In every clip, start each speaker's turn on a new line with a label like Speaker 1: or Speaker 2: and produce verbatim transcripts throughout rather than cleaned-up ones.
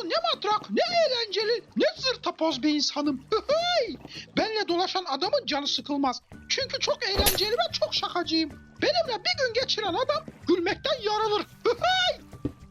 Speaker 1: ne matrak, ne eğlenceli, ne zırtapoz bir insanım. Hıhıy! Benle dolaşan adamın canı sıkılmaz. Çünkü çok eğlenceli ve çok şakacıyım. Benimle bir gün geçiren adam gülmekten yarılır. Hıhıy!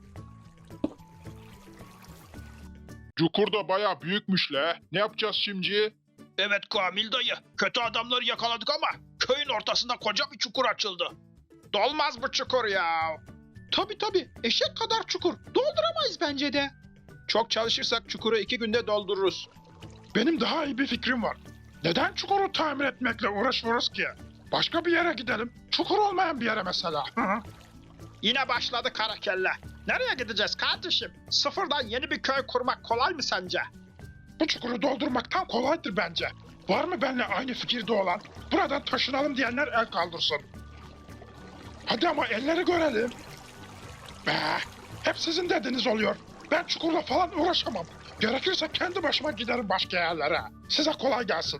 Speaker 2: Cukur da baya büyükmüş le. Ne yapacağız şimdi?
Speaker 3: Evet Kamil dayı, kötü adamları yakaladık ama köyün ortasında koca bir çukur açıldı. Dolmaz bu çukur ya.
Speaker 1: Tabii tabii, eşek kadar çukur. Dolduramayız bence de.
Speaker 3: Çok çalışırsak çukuru iki günde doldururuz.
Speaker 2: Benim daha iyi bir fikrim var. Neden çukuru tamir etmekle uğraşıyoruz ki? Başka bir yere gidelim. Çukur olmayan bir yere mesela.
Speaker 3: Yine başladı kara kelle. Nereye gideceğiz kardeşim? Sıfırdan yeni bir köy kurmak kolay mı sence?
Speaker 2: Bu çukuru doldurmaktan kolaydır bence. Var mı benimle aynı fikirde olan? Buradan taşınalım diyenler el kaldırsın. Hadi ama elleri görelim. Be, hep sizin dediğiniz oluyor. Ben çukurla falan uğraşamam. Gerekirse kendi başıma giderim başka yerlere. Size kolay gelsin.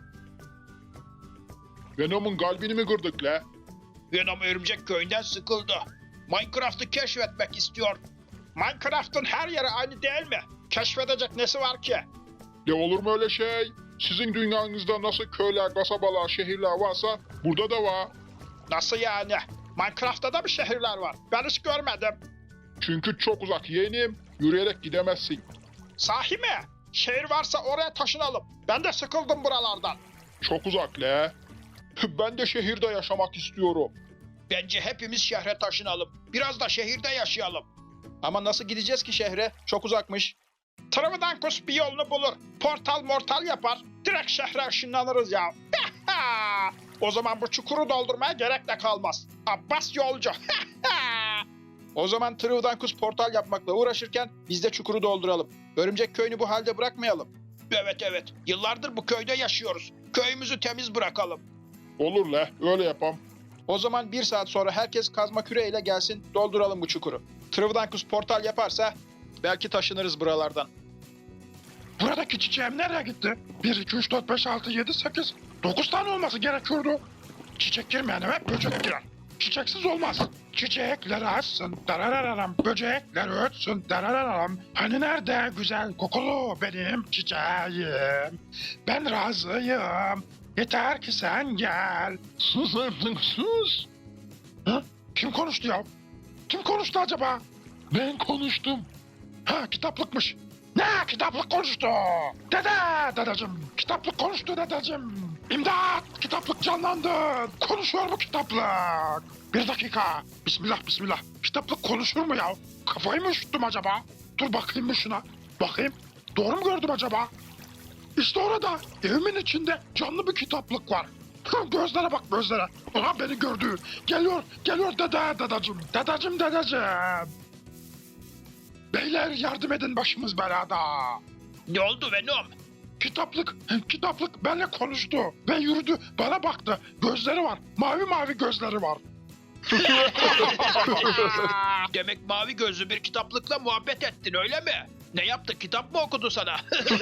Speaker 2: Venom'un kalbini mi kırdık le?
Speaker 3: Venom örümcek köyünden sıkıldı. Minecraft'ı keşfetmek istiyor. Minecraft'ın her yeri aynı değil mi? Keşfedecek nesi var ki?
Speaker 2: Ne olur mu öyle şey? Sizin dünyanızda nasıl köyler, kasabalar, şehirler varsa burada da var.
Speaker 3: Nasıl yani? Minecraft'ta da mı şehirler var? Ben hiç görmedim.
Speaker 2: Çünkü çok uzak yeğenim. Yürüyerek gidemezsin.
Speaker 3: Sahi mi? Şehir varsa oraya taşınalım. Ben de sıkıldım buralardan.
Speaker 2: Çok uzak le. Ben de şehirde yaşamak istiyorum.
Speaker 3: Bence hepimiz şehre taşınalım. Biraz da şehirde yaşayalım. Ama nasıl gideceğiz ki şehre? Çok uzakmış. Trıvıdankus bir yolunu bulur. Portal mortal yapar. Direkt şehre ışınlanırız ya. O zaman bu çukuru doldurmaya gerek de kalmaz. Abbas yolcu. O zaman Trıvıdankus portal yapmakla uğraşırken biz de çukuru dolduralım. Örümcek köyünü bu halde bırakmayalım. Evet evet. Yıllardır bu köyde yaşıyoruz. Köyümüzü temiz bırakalım.
Speaker 2: Olur le, öyle yapam.
Speaker 3: O zaman bir saat sonra herkes kazma küreğiyle gelsin, dolduralım bu çukuru. Trıvıdankus portal yaparsa belki taşınırız buralardan.
Speaker 2: Buradaki çiçeğim nereye gitti? bir, iki, üç, dört, beş, altı, yedi, sekiz. dokuz tane olması gerekiyordu. Çiçek girmeyen eve böcek girer. Çiçeksiz olmaz. Çiçekler açsın, darararam, böcekler ötsün, darararam. Hani nerede güzel kokulu benim çiçeğim? Ben razıyım. Yeter ki sen gel. Sus artık sus. Ha? Kim konuştu ya? Kim konuştu acaba? Ben konuştum. Ha, kitaplıkmış. Ne kitaplık konuştu? Dede dedeciğim. Kitaplık konuştu dedeciğim. İmdat kitaplık canlandı. Konuşuyor bu kitaplık. Bir dakika. Bismillah bismillah. Kitaplık konuşur mu ya? Kafayı mı üşüttüm acaba? Dur bakayım bir şuna. Bakayım. Doğru mu gördüm acaba? İşte orada evimin içinde canlı bir kitaplık var. Gözlere bak gözlere. Aha beni gördü. Geliyor geliyor dede dedeciğim. Dedeciğim dedeciğim. Beyler yardım edin başımız belada.
Speaker 3: Ne oldu Venom?
Speaker 2: Kitaplık, kitaplık benimle konuştu ve yürüdü, bana baktı. Gözleri var, mavi mavi gözleri var.
Speaker 3: Demek mavi gözlü bir kitaplıkla muhabbet ettin öyle mi? Ne yaptı, kitap mı okudu sana?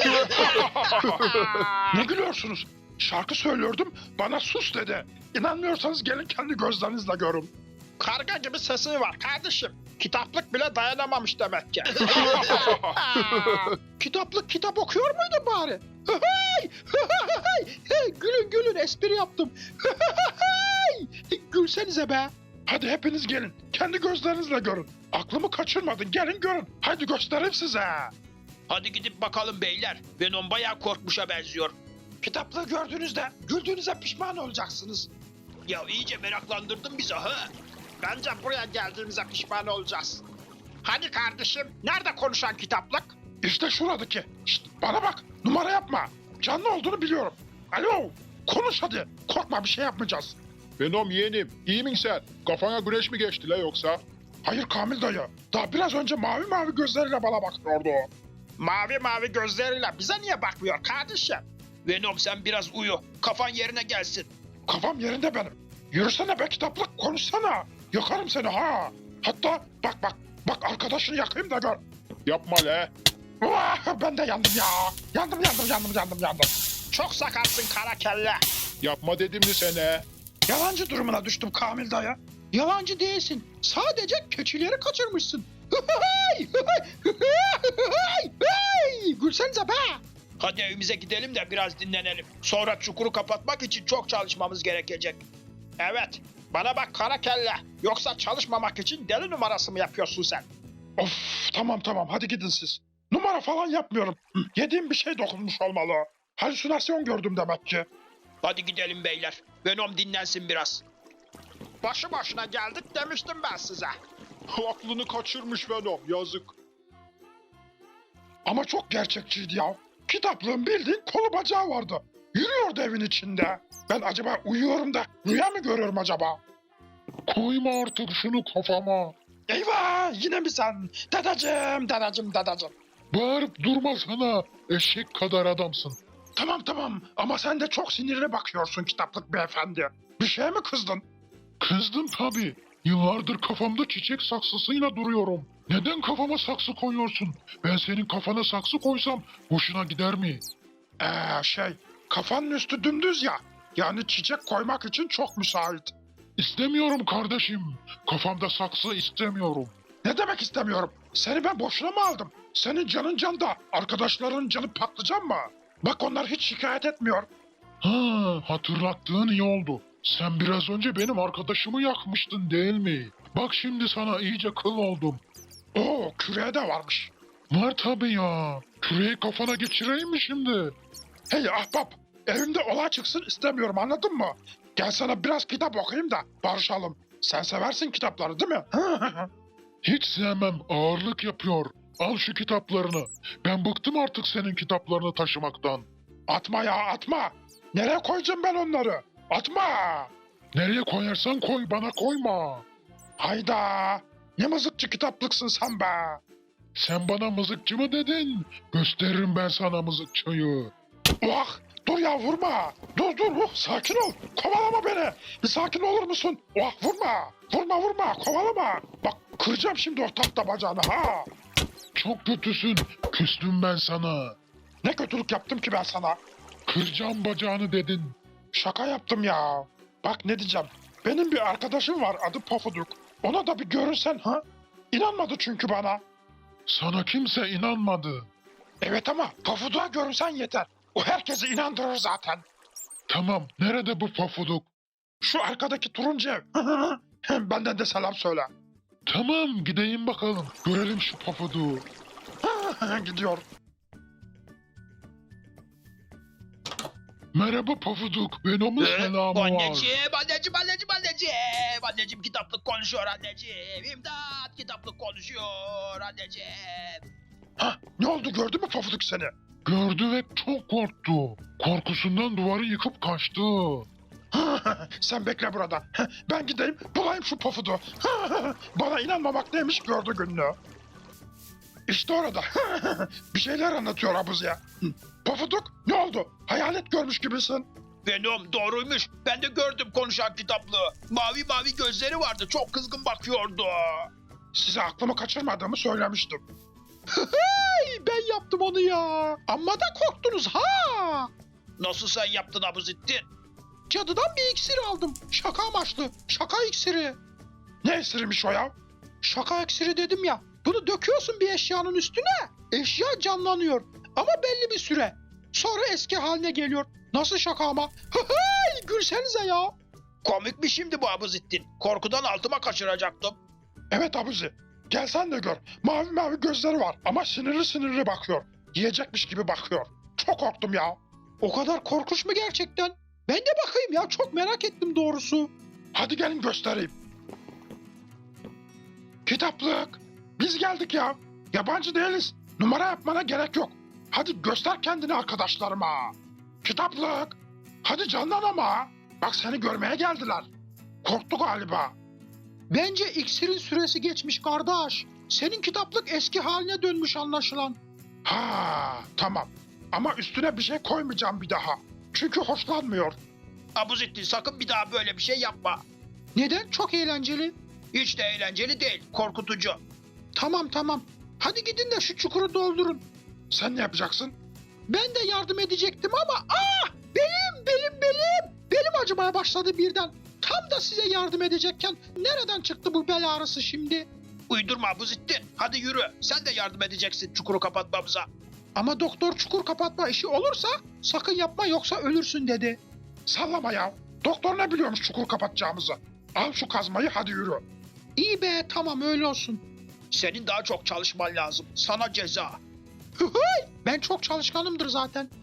Speaker 2: Ne gülüyorsunuz? Şarkı söylüyordum, bana sus dedi. İnanmıyorsanız gelin kendi gözlerinizle görün.
Speaker 3: Karga gibi sesi var kardeşim. Kitaplık bile dayanamamış demek ki.
Speaker 1: Kitaplık kitap okuyor muydu bari? Hıhıy! Hıhıy! Hey, gülün gülün, espri yaptım. Hıhıy! Gülsenize be.
Speaker 2: Hadi hepiniz gelin, kendi gözlerinizle görün. Aklımı kaçırmadın, gelin görün. Hadi göstereyim size.
Speaker 3: Hadi gidip bakalım beyler. Venom bayağı korkmuşa benziyor.
Speaker 1: Kitaplığı gördüğünüzde güldüğünüze pişman olacaksınız.
Speaker 3: Ya iyice meraklandırdın bizi ha. Bence buraya geldiğimize pişman olacağız. Hani kardeşim, nerede konuşan kitaplık?
Speaker 2: İşte şuradaki. Şşt, bana bak, numara yapma. Canlı olduğunu biliyorum. Alo, konuş hadi. Korkma, bir şey yapmayacağız. Venom yeğenim, iyi misin sen? Kafana güneş mi geçti la yoksa? Hayır Kamil dayı. Daha biraz önce mavi mavi gözleriyle bana bakıyordu.
Speaker 3: Mavi mavi gözleriyle bize niye bakmıyor kardeşim? Venom sen biraz uyu, kafan yerine gelsin.
Speaker 2: Kafam yerinde benim. Yürüsene be kitaplık, konuşsana. Yakarım seni ha. Hatta bak bak, bak arkadaşını yakayım da gör. Yapma le. Vah, ben de yandım ya. Yandım yandım yandım yandım yandım.
Speaker 3: Çok sakarsın kara kelle.
Speaker 2: Yapma dedim mi sana?
Speaker 1: Yalancı durumuna düştüm Kamil dayı. Yalancı değilsin. Sadece keçileri kaçırmışsın. Hıhıy! Hıhıy! Hıhıy! Hıhıy! gülsenize be.
Speaker 3: Hadi evimize gidelim de biraz dinlenelim. Sonra çukuru kapatmak için çok çalışmamız gerekecek. Evet, bana bak kara kelle. Yoksa çalışmamak için deli numarası mı yapıyorsun sen?
Speaker 2: Of tamam tamam hadi gidin siz. Numara falan yapmıyorum. Hı, Yediğim bir şey dokunmuş olmalı. Halüsinasyon gördüm demek ki.
Speaker 3: Hadi gidelim beyler. Venom dinlensin biraz. Başı başına geldik demiştim ben size.
Speaker 2: Aklını kaçırmış Venom yazık. Ama çok gerçekçiydi ya. Kitaplığın bildiğin kolu bacağı vardı. Yürüyordu evin içinde. Ben acaba uyuyorum da rüya mı görüyorum acaba? Koyma artık şunu kafama. Eyvah yine mi sen? Dadacım dadacım dadacım. Bağırıp durma sana eşek kadar adamsın. Tamam tamam ama sen de çok sinirli bakıyorsun kitaplık beyefendi. Bir şeye mi kızdın? Kızdım tabii. Yıllardır kafamda çiçek saksısıyla duruyorum. Neden kafama saksı koyuyorsun? Ben senin kafana saksı koysam hoşuna gider mi? Eee şey, kafanın üstü dümdüz ya. Yani çiçek koymak için çok müsait. İstemiyorum kardeşim. Kafamda saksı istemiyorum. Ne demek istemiyorum? Seni ben boşuna mı aldım? Senin canın canda, arkadaşların canı patlıcan mı? Bak onlar hiç şikayet etmiyor. Ha, hatırlattığın iyi oldu. Sen biraz önce benim arkadaşımı yakmıştın değil mi? Bak şimdi sana iyice kıl oldum. Oo, küreğe de varmış. Var tabii ya. Küreği kafana geçireyim mi şimdi? Hey ahbap, evimde olay çıksın istemiyorum anladın mı? Gel sana biraz kitap okuyayım da barışalım. Sen seversin kitapları değil mi? Hiç sevmem, ağırlık yapıyor. Al şu kitaplarını. Ben bıktım artık senin kitaplarını taşımaktan. Atma ya atma. Nereye koyacağım ben onları? Atma. Nereye koyarsan koy bana koyma. Hayda. Ne mızıkçı kitaplıksın sen be. Sen bana mızıkçı mı dedin? Gösteririm ben sana mızıkçıyı. Oh dur ya vurma. Dur dur oh, sakin ol. Kovalama beni. Bir sakin olur musun? Oh vurma. Vurma vurma kovalama. Bak kıracağım şimdi o tahta bacağını ha. Çok kötüsün. Küstüm ben sana. Ne kötülük yaptım ki ben sana? Kıracağım bacağını dedin. Şaka yaptım ya. Bak ne diyeceğim. Benim bir arkadaşım var adı Pofuduk. Ona da bir görünsen ha? İnanmadı çünkü bana. Sana kimse inanmadı. Evet ama Pofuduk'a görünsen yeter. O herkesi inandırır zaten. Tamam. Nerede bu Pofuduk? Şu arkadaki turuncu ev. Benden de selam söyle. Tamam gideyim bakalım. Görelim şu Pofuduk'u. Gidiyor. Merhaba Pofuduk. Venom'un selamı var.
Speaker 3: Anneciğim, anneciğim, anneciğim, anneciğim. Anneciğim kitaplık konuşuyor anneciğim. İmdat kitaplık konuşuyor anneciğim.
Speaker 2: Hah, ne oldu gördü mü Pofuduk seni? Gördü ve çok korktu. Korkusundan duvarı yıkıp kaçtı. Sen bekle burada. Ben gideyim bulayım şu Pofuduk'u. Bana inanmamak neymiş gördü gününü. İşte orada. Bir şeyler anlatıyor Abuzi'ye. Pofuduk ne oldu? Hayalet görmüş gibisin.
Speaker 3: Venom doğruymuş. Ben de gördüm konuşan kitaplığı. Mavi mavi gözleri vardı. Çok kızgın bakıyordu.
Speaker 2: Size aklımı kaçırmadığımı söylemiştim.
Speaker 1: Hey, ben yaptım onu ya. Amma da korktunuz ha.
Speaker 3: Nasıl sen yaptın Abuzittin?
Speaker 1: Cadıdan bir iksir aldım. Şaka amaçlı. Şaka iksiri.
Speaker 2: Ne esirmiş o ya?
Speaker 1: Şaka iksiri dedim ya. Bunu döküyorsun bir eşyanın üstüne. Eşya canlanıyor. Ama belli bir süre. Sonra eski haline geliyor. Nasıl şaka ama? Hey, gülsenize ya.
Speaker 3: Komik mi şimdi bu Abuzittin? Korkudan altıma kaçıracaktım.
Speaker 2: Evet Abuzi. Gel sen de gör. Mavi mavi gözleri var ama sinirli sinirli bakıyor. Yiyecekmiş gibi bakıyor. Çok korktum ya.
Speaker 1: O kadar korkunç mu gerçekten? Ben de bakayım ya, çok merak ettim doğrusu.
Speaker 2: Hadi gelin göstereyim. Kitaplık. Biz geldik ya. Yabancı değiliz. Numara yapmana gerek yok. Hadi göster kendini arkadaşlarıma. Kitaplık. Hadi canlan ama. Bak seni görmeye geldiler. Korktu galiba.
Speaker 1: Bence iksirin süresi geçmiş kardeş. Senin kitaplık eski haline dönmüş anlaşılan.
Speaker 2: Ha, tamam. Ama üstüne bir şey koymayacağım bir daha. Çünkü hoşlanmıyor.
Speaker 3: Abuzittin sakın bir daha böyle bir şey yapma.
Speaker 1: Neden? Çok eğlenceli.
Speaker 3: Hiç de eğlenceli değil. Korkutucu.
Speaker 1: Tamam tamam. Hadi gidin de şu çukuru doldurun.
Speaker 2: Sen ne yapacaksın?
Speaker 1: Ben de yardım edecektim ama ah! Belim, belim, belim. Belim acımaya başladı birden. Tam da size yardım edecekken nereden çıktı bu bel ağrısı şimdi?
Speaker 3: Uydurma Abuzittin. Hadi yürü. Sen de yardım edeceksin çukuru kapatmamıza.
Speaker 1: Ama doktor çukur kapatma işi olursa sakın yapma yoksa ölürsün dedi.
Speaker 2: Sallama ya. Doktor ne biliyormuş çukur kapatacağımızı? Al şu kazmayı hadi yürü.
Speaker 1: İyi be tamam öyle olsun.
Speaker 3: Senin daha çok çalışman lazım. Sana ceza.
Speaker 1: Ben çok çalışkanımdır zaten.